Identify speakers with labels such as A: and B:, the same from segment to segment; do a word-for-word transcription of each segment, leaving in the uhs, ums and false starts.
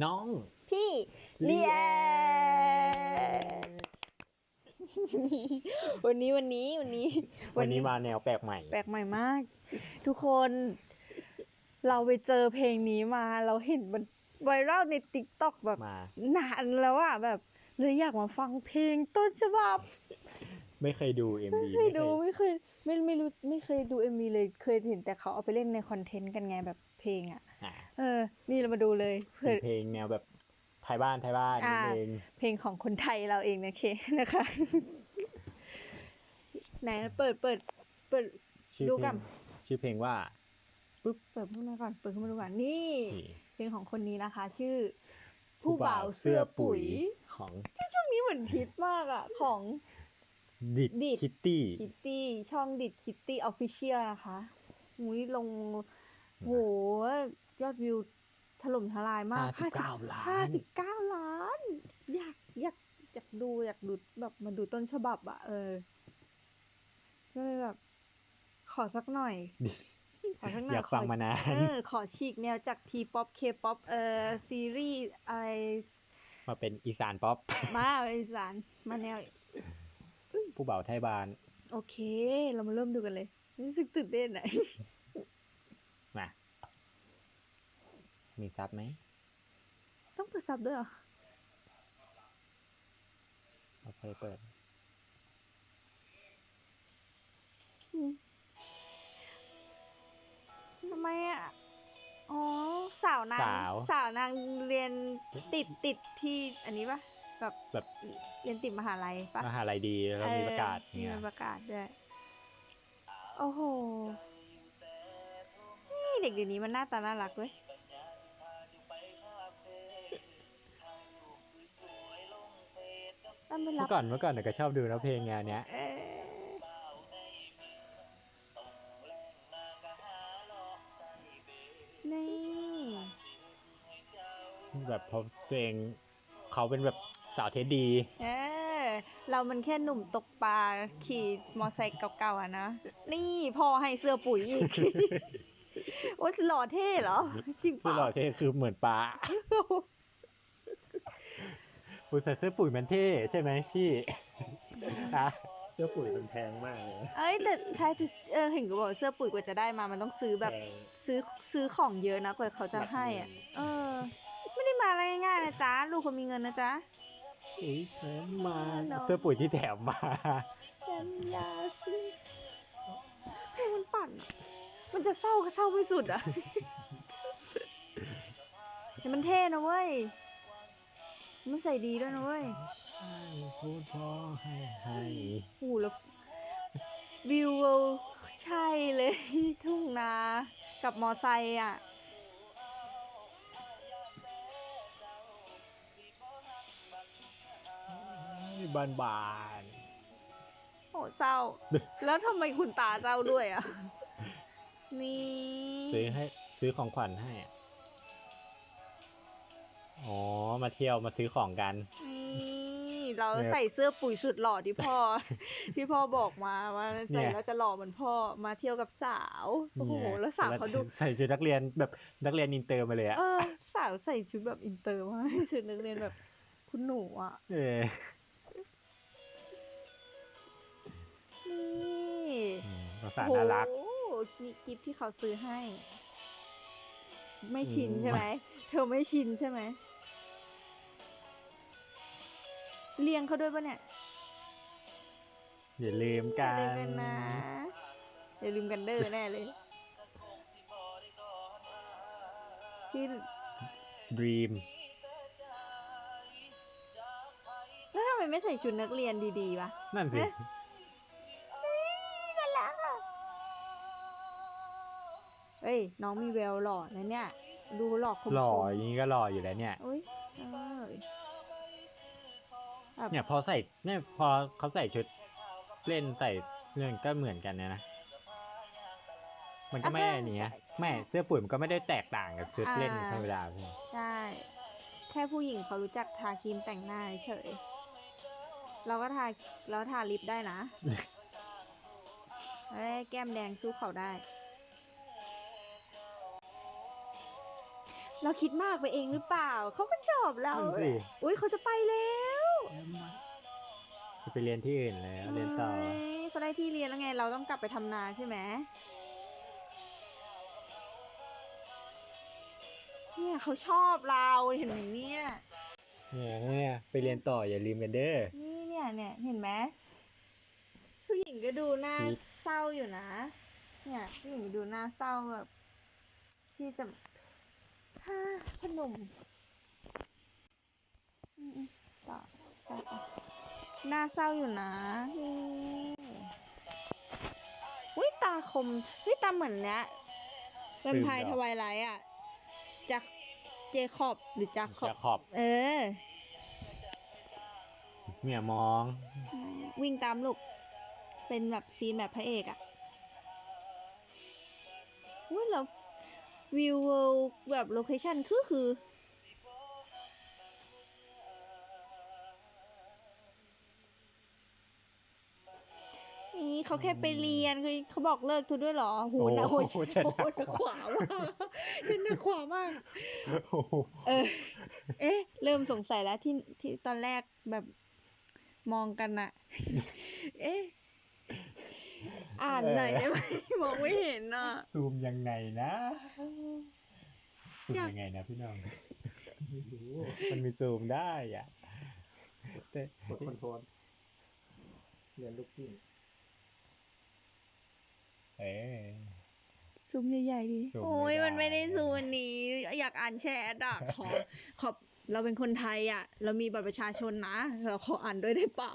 A: น้อง
B: พี่เลียวันนี้วันนี้วันนี้
A: วันนี้มาแนวแปลกใหม่
B: แปลกใหม่มากทุกคนเราไปเจอเพลงนี้มาเราเห็นมันไวรัลใน TikTok แบบนานแล้วอ่ะแบบเลยอยากมาฟังเพลงต้นฉบับ
A: ไม่เคยดู เอ็ม วี
B: ไม่เคยดูไม่เคยไม่ไม่รู้ไม่เคยดู เอ็ม วี เลยเคยเห็นแต่เขาเอาไปเล่นในคอนเทนต์กันไงแบบเพลงอ่ะเออนี่เรามาดูเลย
A: เป็นเพลงแนวแบบไทยบ้านไทยบ้านนิดนึง
B: เพลงของคนไทยเราเองนะเคนะคะไหนเปิดเปิดเปิดดูกัน
A: ชื่อเพลงว่า
B: ปึ๊บเปิดขึ้นมาก่อนเปิดขึ้นมาดูก่อนนี่เพลงของคนนี้นะคะชื่อผู้บ่าวเสื้อปุ๋ย
A: ของ
B: ที่ช่วงนี้เหมือนฮิตมากอ่ะของ
A: ดิดคิตตี้
B: คิตตี้ช่องดิดคิตตี้ออฟฟิเชียลนะคะมุ้ยลงโหยอดวิวถล่มทลายมาก
A: ห้าสิบเก้าล้าน
B: ห้าสิบเก้าล้านอยากอยากอยากดูอยากดูแบบมาดูต้นฉบับอ่ะเออก็เลยแบบขอสักหน่อยขอสักหน่อย
A: อยากฟังมานาน
B: เออขอฉีกแนวจากทีป๊อปเคป๊อปเออซีรีส์อะไร
A: มาเป็นอีสานป๊อป
B: มาเป็นอีสานมาแนว
A: ผู้บ่าวไทยบ้าน
B: โอเคเรามาเริ่มดูกันเลยรู้สึกตื่นเต้นอ่ะ
A: มามีซับไหม
B: ต้องเปิดซับด้วยเหรอ
A: โอเคเปิด
B: ทำไมอ่ะอ๋อสาวนางสาวนางเรียนติดติดที่อันนี้ปะแบบ
A: แบบ
B: เรียนติดมหาลัยปะ
A: มหาลัยดีแล้วมีประกาศ
B: เนี่ยมีประกาศด้วยโอ้โหนี่เด็กเดี๋ยวนี้มันหน้าตาน่ารักเว้ย
A: เมื่อก่อนเมื่อก่อนก็ชอบดูนะเพลงงานเนี้ย
B: นี่
A: แบบเพราะเพลงเขาเป็นแบบสาวเทสดี
B: เออเรามันแค่หนุ่มตกปลาขี่มอไซค์เก่าๆอ่ะนะนี่พ่อให้เสื้อปุ๋ยอีกโอ้ยหล่อเท่เหรอจริง
A: ป่ะหล่อเท่คือเหมือนปลาผู้ใส่เสื้อปุ๋ยมันเท่ใช่ไหมพี่
C: อะเสื้อปุ๋ยมันแพงมากเลย
B: เอ้ยแต่ใช่เออเห็นก็บอกเสื้อปุ๋ยกว่าจะได้มามันต้องซื้อแบบซื้อซื้อของเยอะนะกว่าเขาจะให้อ่ะเออไม่ได้มาอะไรง่ายๆนะจ๊ะลูกคนมีเงินนะจ๊ะ
A: อุ้ยแถมมาเสื้อปุ๋ยที่แถมมา
B: แถมยาซื้อเพลงมันปั่นมันจะเศร้าก็เศร้าไม่สุดอ่ะแต่มันเท่นะเว้ยมันใส่ดีด้วยนะเว้ย
A: พูดพอให้ให้
B: โอ้แล้ววิวใช่เลยทุ่งนากับมอไซค์อ่ะ
A: บานบาน
B: โหเศร้าแล้วทำไมคุณตาเศร้าด้วยอ่ะนี่
A: ซื้อให้ซื้อของขวัญให้อ๋อมาเที่ยวมาซื้อของกัน
B: นี่เราใส่เสื้อปุ๋ยสุดหล่อที่พ่อที่พ่อบอกมาว่าใส่แล้วจะหล่อเหมือนพ่อมาเที่ยวกับสาวโอ้โหแล้วสาวเขาดู
A: ใส่ชุดนักเรียนแบบนักเรียนอินเตอร์มาเลยอะ
B: เออสาวใส่ชุดแบบอินเตอร์มาชุดนักเรียนแบบคุณหนูอ่ะ
A: เออ
B: นี่
A: ภาษาน่ารัก
B: โอ้นี่กิฟที่เขาซื้อให้ไม่ชินใช่ไหมเธอไม่ชินใช่ไหมเลี้ยงเขาด้วยปะเนี่ย
A: อย่าลืมกัน
B: อย่าลืมกันนะอย่าลืมกันเด้อแน่เลยที่
A: Dream
B: แล้วทำไมไม่ใส่ชุดนักเรียนดีๆวะ
A: นั่นสิ
B: น่ารักอ่ะเอ้ยน้องมีแววหล่อนะเนี่ยดูหล่อคม
A: หล่ออย่างนี้ก็หล่ออยู่แล้วเนี่ยเนี่ยพอใส่เนี่ยพอเขาใส่ชุดเล่นใส่เรื่องก็เหมือนกันนะนะมันก็ไม่ได้เนี้ยแม่เสื้อปุ๋ยมันก็ไม่ได้แตกต่างกับชุดเล่นธรรมดาใช่
B: ใช่แค่ผู้หญิงเขารู้จักทาครีมแต่งหน้าเฉยเราก็ทาแล้วทาลิปได้นะเอ้ยแก้มแดงสู้เขาได้เราคิดมากไปเองหรือเปล่า เขาก็ชอบเรา
A: นั่นสิ
B: อุ้ยเขาจะไปแล้ว
A: จะไปเรียนที่อื่นแล้วเรียนต่อ
B: เฮ้ยเขาได้ที่เรียนแล้วไง เราต้องกลับไปทำนาใช่ไหมเนี่ยเขาชอบเราเห็นไหมเนี่ย
A: เนี่ยเนี่ยไปเรียนต่ออย่าลืมกันเด้อ
B: นี่เนี่ยเนี่ยเห็นไหมผู้หญิงก็ดูหน้า
A: คิด
B: เศร้าอยู่นะ เนี่ยผู้หญิงดูหน้าเศร้าแบบที่จะฮ่าพนมอืมๆต่อต่อต่อหน้าเศร้าอยู่นะอืมอุ้ยตาคมเฮ้ยตาเหมือนเนี้ยแวมไพร์ทวายไลท์อ่ะจากเจคอบหรือจากขอบ
A: จะขอบ
B: เออ
A: เนี่ยมอง
B: วิ่งตามลูก เป็นแบบซีนแบบพระเอกอะว่าแล้ววิวแบบโลเคชั่นคือคือ นี่เขาแค่ไปเรียนคือเขาบอกเลิกทุกด้วยเหรอโหนะโห
A: โอ้โหฉัน
B: โหหนักขวามากฉันหนักขวามาก
A: โอ้โห
B: เออ เอ๊ะ เริ่มสงสัยแล้วที่ที่ตอนแรกแบบมองกันอะ เอ๊ะ อ่านหน่อยได้ไหม มองไม่เห็นอ่ะ
A: ซูมยังไงนะซูม
B: อยาก
A: ยังไงนะพี่น้อง
C: ไม่รู้
A: มันมีซูมได้อ่ะแต่
C: กดคอนโทรลเรียนลูกกิ้ง
A: เออ
B: ซูมใหญ่ๆดิ
A: ซูม
B: โอ้ย
A: ไม่ได้
B: มันไม่ได้ซูมอันนี้ อยากอ่านแชทอ่ะ ขอ ขอ เราเป็นคนไทยอ่ะ เรามีบัตรประชาชนนะ เราขออ่านด้วยได้เปล่า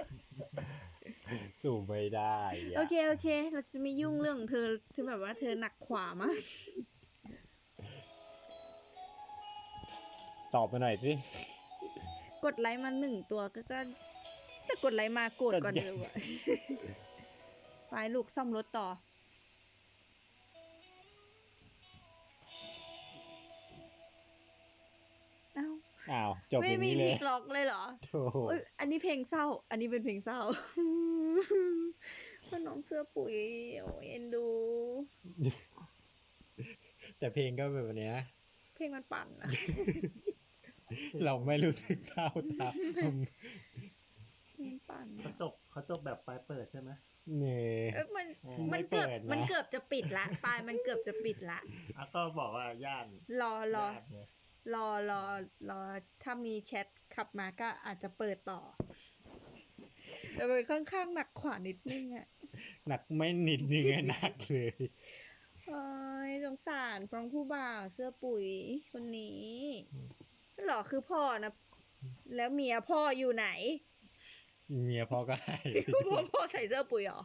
A: ซูมไม่ได้ะ
B: โอเค โอเค เราจะไม่ยุ่งเรื่องของเธอที่แบบว่าเธอหนักขวามาก
A: ตอบมาหน่อยสิ
B: กดไลค์มาหนึ่งตัวก็ก็แต่กดไลค์มาโกรธก่อน
A: ก็
B: เลยว่ะ ไปลูกซ่อมรถต่อ เอ้า
A: อ้าวจบ
B: ไม่
A: อย่าง
B: มี
A: นี้
B: พ
A: เล
B: ลิ
A: ย
B: กล็อกเลยเหรอ
A: โถ่
B: เอ้ยอันนี้เพลงเศร้า อันนี้เป็นเพลงเศร้า พ่อน้องเสื้อปุ๋ย โอ้ยเอ็นดู
A: แต่เพลงก็แบบเนี้ย
B: เพลงมันปั่นนะ
A: เราไม่รู้สึกเศร้าตาม
B: เพลงมันปั่น
C: เขาจบเขาจบแบบปลายเปิดใช่ไหม
A: เนี่ย
B: เอ้ยมัน
C: อ๋อ
B: มั
A: ไม่
B: นเกือบ
A: เปิดนะ
B: มันเกือบจะปิดละ ปลายมันเกือบจะปิดละ
C: อ่ะก็บอกว่าย่าน
B: รอรอ
C: ย่านไง
B: รอรอรอถ้ามีแชทขับมาก็อาจจะเปิดต่อ แต่มันค่อนข้างหนักขวานิดนึงอ่ะ
A: หนักไม่นิดนึงอะหนักเลย
B: โอ้ยสงสารฟรองผู้บ่าวเสื้อปุ๋ยคนนี้หรอคือพ่อนะ แล้วเมียพ่ออยู่ไหน
A: เมียพ่อก็ให้
B: พ่อพ่อใส่เสื้อปุ๋ยเหรอ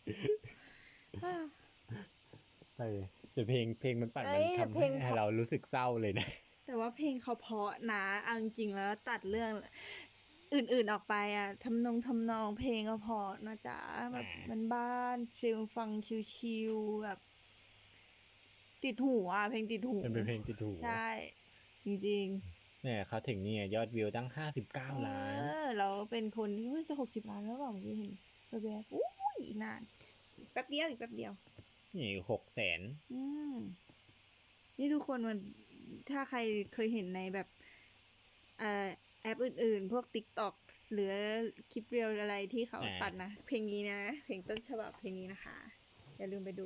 A: เออแต่เพลงเพลงมันปั่น
B: เอ้
A: มัน
B: ย
A: ทำ
B: เพลง
A: ให้เรารู้สึกเศร้าเลยนะ
B: แต่ว่าเพลงเขาเพราะนะเอาจริงๆแล้วตัดเรื่องอื่นๆออกไปอ่ะทำนองทำนองเพลงก็เพราะนะจ๊ะแบบ
A: อ่า
B: มันบ้านฟิลฟังชิลๆแบบ ติดหูอ่ะเพลงติดหู
A: มันเป็นเพลงติดหู
B: ใช่ จริง
A: เนี่ยเขาถึงเนี่ยยอดวิวตั้งห้าสิบเก้า
B: ๆ
A: ล้าน
B: เออเราเป็นคนที่เฮ้ยจะหกสิบล้านแล้วเปล่าเมื่อกี้เห็นแบบๆอุ้ยอีกนานอีกแป๊บเดียวอีกแป๊บเดียว
A: นี่หกแสน
B: อืมนี่ทุกคนมันถ้าใครเคยเห็นในแบบเอ่อแอปอื่นๆ พวก TikTok หรือคลิปเรียลอะไรที่เขาตัดนะ เพลงนี้นะ เพลงต้นฉบับเพลงนี้นะคะ อย่าลืมไปดู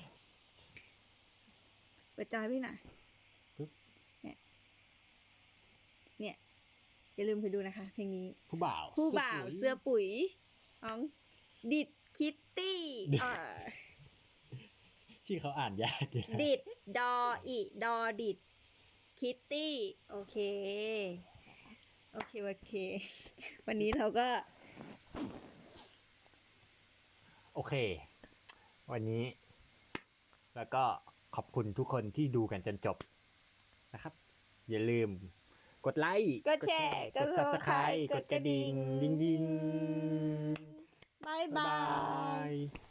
B: เปิดจอยพี่หน่อยเนี่ย เนี่ย อย่าลืมไปดูนะคะ เพลงนี้
A: ผู้บ่าว
B: ผู้บ่าวเสื้อปุ๋ยของดิดคิตตี้เอ่อ
A: ชื่อเขาอ่านยากอยู่นะ
B: ดิด ดออิดอดิด คิตตี้ โอเค โอเค โอเค วันนี้เราก็
A: โอเค วันนี้ แล้วก็ขอบคุณทุกคนที่ดูกันจนจบนะครับ อย่าลืม กดไลค์
B: กดแชร์
A: กด Subscribe กดกระดิ่ง ดิ้งดิ้ง
B: บาย
A: บ๊าย
B: บา
A: บาย ย